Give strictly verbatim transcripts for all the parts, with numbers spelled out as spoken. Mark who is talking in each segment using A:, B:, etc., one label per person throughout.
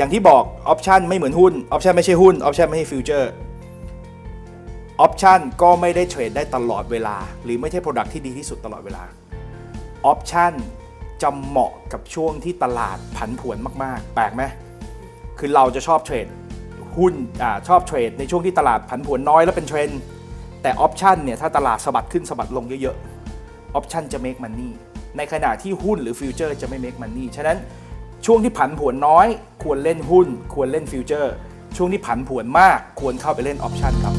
A: อย่างที่บอกออปชันไม่เหมือนหุ้นออปชันไม่ใช่หุ้นออปชันไม่ใช่ฟิวเจอร์ออปชันก็ไม่ได้เทรดได้ตลอดเวลาหรือไม่ใช่ Product ที่ดีที่สุดตลอดเวลาออปชันจะเหมาะกับช่วงที่ตลาดผันผวนมากๆแปลกไหมคือเราจะชอบเทรดหุ้นอ่าชอบเทรดในช่วงที่ตลาดผันผวนน้อยแล้วเป็นเทรนด์แต่ออปชันเนี่ยถ้าตลาดสะบัดขึ้นสะบัดลงเยอะๆออปชันจะ make money ในขณะที่หุ้นหรือฟิวเจอร์จะไม่ make money ฉะนั้นช่วงที่ผันผวนน้อยควรเล่นหุ้นควรเล่นฟิวเจอร์ช่วงที่ผันผวนมากควรเข้าไปเล่นออปชันครับ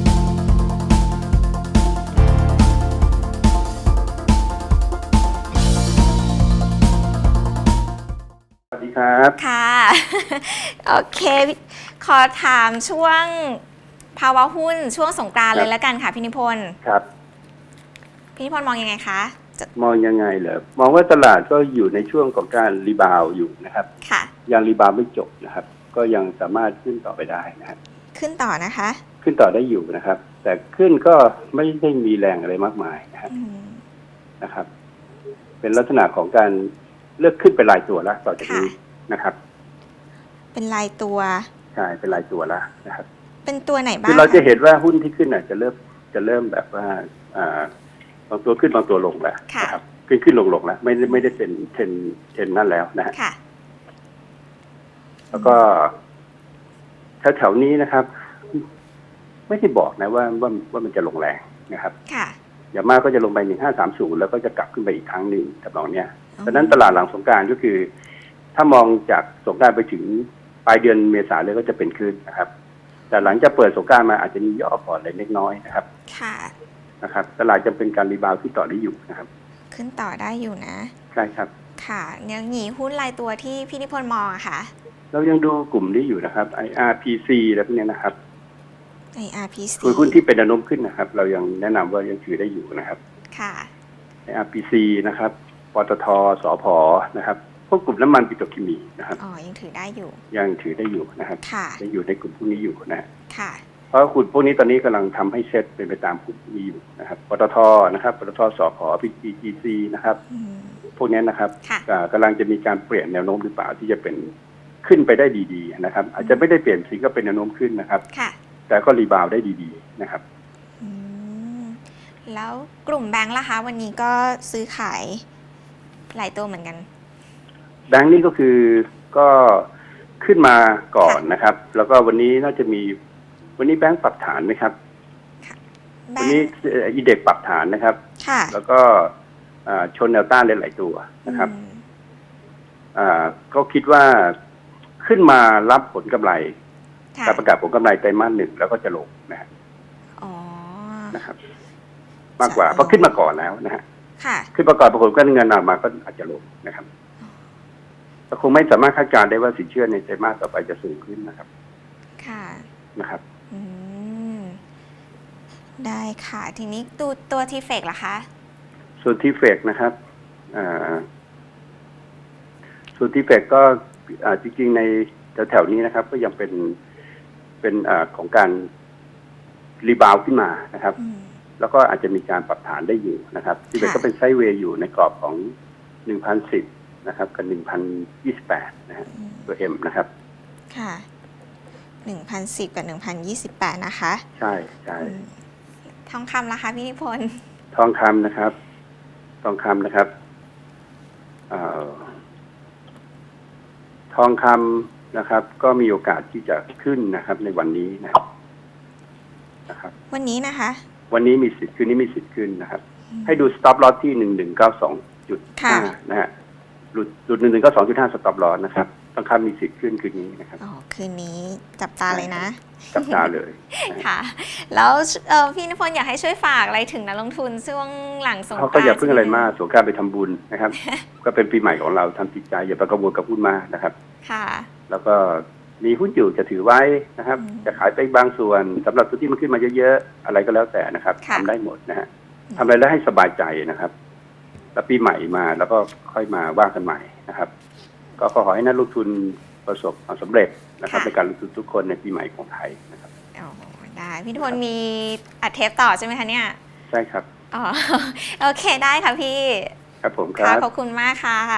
B: สวัสดีครับ
C: ค่ะ โอเคขอถามช่วงภาวะหุ้นช่วงสงกรานต์เลยแล้วกันค่ะพี่นิพนธ์
B: ครับ
C: พี่นิพนธ์มองยังไงคะ
B: มองยังไงเหรอมองว่าตลาดก็อยู่ในช่วงของการรีบาวอยู่นะครับ
C: ค่ะ
B: ยังรีบาวไม่จบนะครับก็ยังสามารถขึ้นต่อไปได้นะครับ
C: ขึ้นต่อนะคะ
B: ขึ้นต่อได้อยู่นะครับแต่ขึ้นก็ไม่ได้มีแรงอะไรมากมายนะครับนะครับเป็นลักษณะของการเลือกขึ้นเป็นรายตัวแล้วต่อจากนี้นะครับ
C: เป็นรายตัว
B: ใช่เป็นรายตัวแล้วนะครับ
C: เป็นตัวไหนบ้าง
B: คือเราจะเห็นว่าหุ้นที่ขึ้นอาจจะเริ่มจะเริ่มแบบว่าอ่าบางตัวขึ้นบางตัวลงแล้วนะครับขึ้นขึ้นลงลงแล้วไม่ได้ไม่ได้เป็นเทรนเทรนนั่นแล้วนะฮะแล้วก็แถวแถวนี้นะครับไม่ได้บอกนะว่าว่าว่ามันจะลงแรงนะครับอย่างมากก็จะลงไปหนึ่งห้าสามศูนย์แล้วก็จะกลับขึ้นไปอีกครั้งหนึ่งทำนองเนี้ยดังนั้นตลาดหลังสงกรานต์ก็คือถ้ามองจากสงกรานต์ไปถึงปลายเดือนเมษาเลยก็จะเป็นขึ้นนะครับแต่หลังจากเปิดสงกรานต์มาอาจจะมีย่อพอร์ตเล็กน้อยนะครับ
C: ค่ะ
B: นะครับตลาดจะเป็นการรีบาวด์ที่ต่อได้อยู่นะครับ
C: ขึ้นต่อได้อยู่นะ
B: ใช่ครับ
C: ค่ะยังหนีหุ้นรายตัวที่พี่นิพนธ์มองอะค่ะ
B: เรายังดูกลุ่มนี้อยู่นะครับ ไอ อาร์ พี ซี แล้วพวกนี้นะครับ
C: ไอ อาร์ พี ซี
B: คือหุ้นที่เป็นแนวโน้มขึ้นนะครับเรายังแนะนำว่ายังถือได้อยู่นะครับ
C: ค่ะ
B: ไอ อาร์ พี ซี นะครับปตท.สผ.นะครับพวกกลุ่มน้ำมันปิโตรเคมีนะครับ
C: อ๋อยังถือได้อยู่
B: ยังถือได้อยู่นะครับ
C: ค่ะ
B: ยังอยู่ในกลุ่มพวกนี้อยู่นะ
C: ค่ะ
B: เพราะกลุ่มพวกนี้ตอนนี้กำลังทำให้เซ็ตเป็นไปตามกลุ่มนี้อยู่นะครับปตท.นะครับปตท.สผ.พี ที ซี นะครับพวกนี้นะครับกำลังจะมีการเปลี่ยนแนวโน้มหรือเปล่าที่จะเป็นขึ้นไปได้ดีๆนะครับอาจจะไม่ได้เปลี่ยนสิก็เป็นแนวโน้มขึ้นนะครับแต่ก็รีบาวได้ดีๆนะครับ
C: แล้วกลุ่มแบงค์ล่ะคะวันนี้ก็ซื้อขายหลายตัวเหมือนกัน
B: แบงค์นี่ก็คือก็ขึ้นมาก่อนนะครับแล้วก็วันนี้น่าจะมีวันนี้แบงค์ปรับฐานไหมครับวันนี้อีเด็กปรับฐานนะครับแล้วก็ชนแนวต้านหลายๆตัวนะครับก็คิดว่าขึ้นมารับผลกำไรการประกาศผลกำไรไตรมาสหนึ่งแล้วก็จะลงนะฮะนะครับมากกว่าเพราะขึ้นมาก่อนแล้วนะฮะขึ้นมาก่อนปรากฏว่าเงินออกมาก็อาจจะลงนะครับแต่คงไม่สามารถคาดการณ์ได้ว่าสินเชื่อในไตรมาสต่อไปจะสูงขึ้นนะครับ
C: ค่ะ
B: นะครับ
C: อืมได้ค่ะทีนี้ตัวตัวทีเฟกล่ะคะ
B: ส่วนทีเฟกนะครับอ่าส่วนทีเฟกก็จริงๆในแถวๆนี้นะครับก็ยังเป็นเป็นอของการรีบาวขึ้นมานะครับแล้วก็อาจจะมีการปรับฐานได้อยู่นะครับทีเฟกก็เป็นไซด์เวย์อยู่ในกรอบของ หนึ่งพันสิบ นะครับกับ หนึ่งพันยี่สิบแปด นะฮะตัว M นะครับ
C: ค่ะหนึ่งพันสิบกับหนึ่งพันยี่สิบแปดนะคะ
B: ใช่ใช่
C: ทองคำล่ะคะพี่นิพนธ์
B: ทองคำนะครับทองคำนะครับเอ่อทองคำนะครับก็มีโอกาสที่จะขึ้นนะครับในวันนี้นะครับ
C: วันนี้นะคะ
B: วันนี้มีสิทธิ์คืนนี้มีสิทธิ์ขึ้นนะครับให้ดู stop loss ที่ หนึ่งหนึ่งเก้าสองจุดห้า นะฮะหลุดหลุด หนึ่งหนึ่งเก้าสองจุดห้า stop loss นะครับทองคำมีสิทธิ์ขึ้นคืนนี้นะครับ
C: อ๋อคืนนี้จับตาเลยนะ
B: จับตาเลย
C: ค่ะแล้วพี่นิพนธ์อยากให้ช่วยฝากอะไรถึงนักลงทุนช่วงหลังสงกรานต์
B: เขาก็อย่าเพิ่งอะไรมากสงกรานต์ไปทำบุญนะครับก็เป็นปีใหม่ของเราทำจิตใจอย่าไปกังวลกับหุ้นมากนะครับ
C: ค่ะ
B: แล้วก็มีหุ้นอยู่จะถือไว้นะครับจะขายไปบางส่วนสำหรับตัวที่มันขึ้นมาเยอะๆอะไรก็แล้วแต่นะครับทำได้หมดนะฮะทำอะไรแล้วให้สบายใจนะครับแล้วปีใหม่มาแล้วก็ค่อยมาว่ากันใหม่นะครับก็ขอให้นักลงทุนประสบความสำเร็จนะครับในการลงทุนทุกคนในปีใหม่ของไทยนะครับ
C: อ๋อได้พี่นิพนธ์มีอัดเทปต่อใช่ไหมคะเนี่ย
B: ใช่ครับ
C: อ๋อโอเคได้ค่ะพี่
B: ครับผมครับ
C: ขอบคุณมากค่ะ